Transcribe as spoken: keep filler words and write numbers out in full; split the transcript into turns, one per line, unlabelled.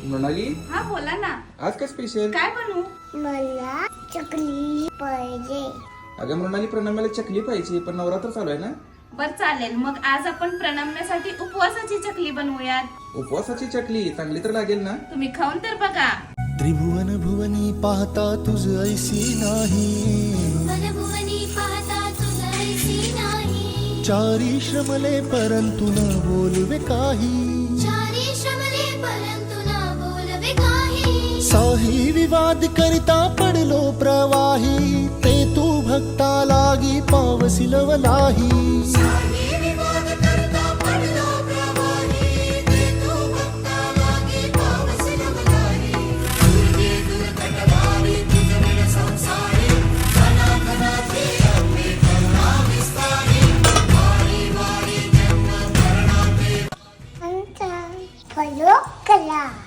मृणाली,
हा बोला ना.
आज काय स्पेशल?
काय बनवू?
मला चकली पाहिजे.
अगं मृणाली, प्रणम्याला चकली पाहिजे, पण नवरात्र चालू आहे ना.
बर चालेल, मग आज आपण प्रणम्यासाठी उपवासाची चकली बनवूयात.
उपवासाची चकली चांगली तर लागेल ना.
तुम्ही खाऊन तर बघा.
त्रिभुवन भुवनी पाहता तुझ ऐसी नाही,
मनभुवनी पाहता तुझ ऐसी नाही.
चारी श्रमले परंतु न बोलवे काही,
चारी श्रमले परंतु न बोलवे काही.
साही विवाद करिता पडलो प्रवाही, ते तू भक्ता लागी पावसिलवलाही.
साही